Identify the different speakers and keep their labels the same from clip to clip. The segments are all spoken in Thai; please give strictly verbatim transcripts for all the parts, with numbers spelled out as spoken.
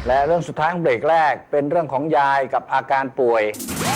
Speaker 1: และเรื่องสุดท้ายของเบรกแรกเป็นเรื่องของยายกับอาการป่วย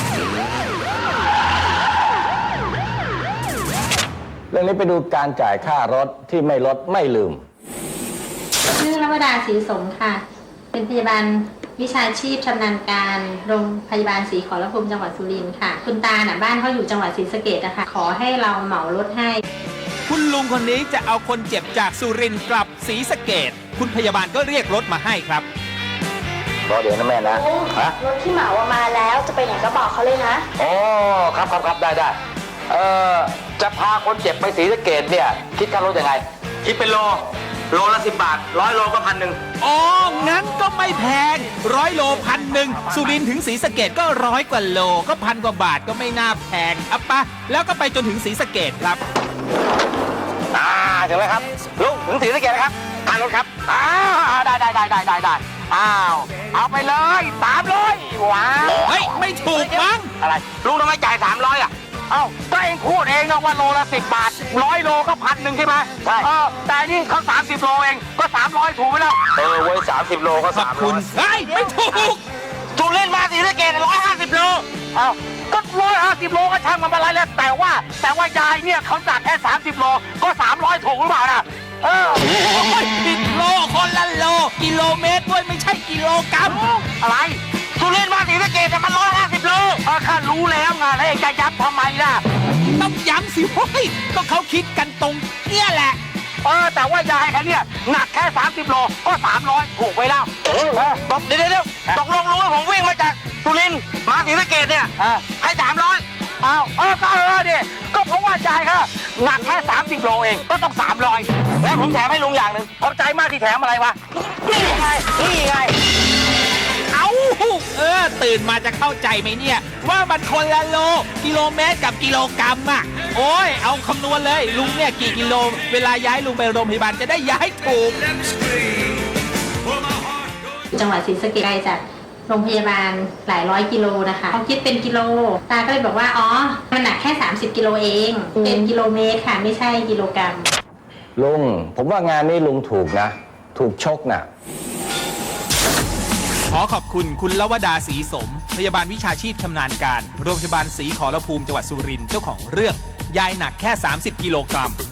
Speaker 1: เรื่องนี้ไปดูการจ่ายค่ารถที่ไม่ลดไม่ลืม
Speaker 2: ชื่อรัวดาศรีสมค่ะเป็นพยาบาลวิชาชีพชำนาญการโรงพยาบาลศรีขอรภูมิจังหวัดสุรินทร์ค่ะคุณตาน่ะบ้านเขาอยู่จังหวัดศรีสะเกษนะคะขอให้เราเหมารถให้
Speaker 3: คุณลุงคนนี้จะเอาคนเจ็บจากสุรินทร์กลับศรีสะเกษคุณพยาบาลก็เรียกรถมาให้ครับ
Speaker 1: รอเดี๋ยวนะแม่นะ
Speaker 4: ฮะรถที่เหมามาแล้วจะไปไหนก็บอกเขาเลยนะ
Speaker 1: อ๋อครับครับครับได้ได้เอ่อจะพาคนเจ็บไปศรีสะเกษเนี่ยคิดค่ารถยังไงคิดเป็นโลโลละสิบบาทร้อยโลก็พันหนึ่ง
Speaker 3: อ๋องั้นก็ไม่แพงร้อยโลพันหนึ่งสุรินทร์ถึงศรีสะเกษก็ร้อยกว่าโลก็พันกว่าบาทก็ไม่น่าแพงอ่ะปะแล้วก็ไปจนถึงศรีสะเกษครับ
Speaker 1: อ่าถึงแล้วครับลุงถึงศรีสะเกษแล้วครับค่ารถครับอ่าได้ได้ได้ได้ได้ได้อ้าวเอาไปเลยสามร้อยว้าว
Speaker 3: เฮ้ยไม่ถูกมั้ง
Speaker 1: อะไรลุงทำไมจ่ายสามร้อยอ่ะเอ้าก็เองพูดเองนะว่าโลละสิบบาทร้อยโลก็พันหนึ่งใช่ไหมใช่เออแต่นี่เขาสามสิบโลเองก็สามร้อยถูกไหมล่ะเออเว้ยสามสิบโลก็สามร้อย
Speaker 3: เฮ้ยไม่ถูก
Speaker 1: จูเล่นมาศรีสะเกษร้อยห้าสิบโลเอ้าก็ร้อยห้าสิบโลก็ช่างมันอะไรแล้วแต่ว่าแต่ว่ายายเนี่ยเขาจัดแค่สามสิบโลก็สามร้อยถูกหรือเปล่าน่ะเออ
Speaker 3: ผิดโลคนละโลกิโลเมตรด้วยไม่ใช่กิโลกรัม
Speaker 1: อะไรจูเล่นมาศรีสะเกษแต่มันร้อยห้าสิบโลเออข้ารู้แล้วไงแล้วเองจะย้ำทำไมล่ะ
Speaker 3: ต้องย้ำสิเฮ้ยก็เขาคิดกันตรงเนี่ยแหละ
Speaker 1: เออแต่ว่ายายเขาเนี่ยหนักแค่สามสิบโลก็สามร้อยถูกไปแล้วเออตกเดี๋ยวเดี๋ยวตกลงรู้ว่าผมวิ่งมาจากสุรินทร์มาศรีสะเกษเนี่ยให้สามร้อยอ้าวเออก็เออดิก็เพราะว่ายายเขาหนักแค่สามสิบโลเองก็ต้องสามร้อยแล้วผมแถมให้ลุงอย่างหนึ่งขอบใจมากที่แถมอะไรวะนี่ไงนี่ไง
Speaker 3: เอาเออตื่นมาจะเข้าใจไหมเนี่ยว่ามันคนละโลกิโลเมตรกับกิโลกรัมอ่ะโอ้ยเอาคำนวณเลยลุงเนี่ยกี่กิโลเวลาย้ายลุงไปโรงพยาบาลจะได้ย้ายถูก
Speaker 2: จังหวัดศรีสะเกษไกลจากโรงพยาบาลหลายร้อยกิโลนะคะเขาคิดเป็นกิโลตาก็เลยบอกว่าอ๋อมันหนักแค่สามสิบกิโลเองเป็นกิโลเมตรค่ะไม่ใช่กิโลกรัม
Speaker 1: ลุงผมว่างานนี้ลุงถูกนะถูกชกนะ
Speaker 3: ขอขอบคุณคุณลวดาศรีสมพยาบาลวิชาชีพชำนาญการโรงพยาบาลศรีขอรภูมิจังหวัดสุรินทร์เจ้าของเรื่องยายหนักแค่สามสิบกิโลกรัม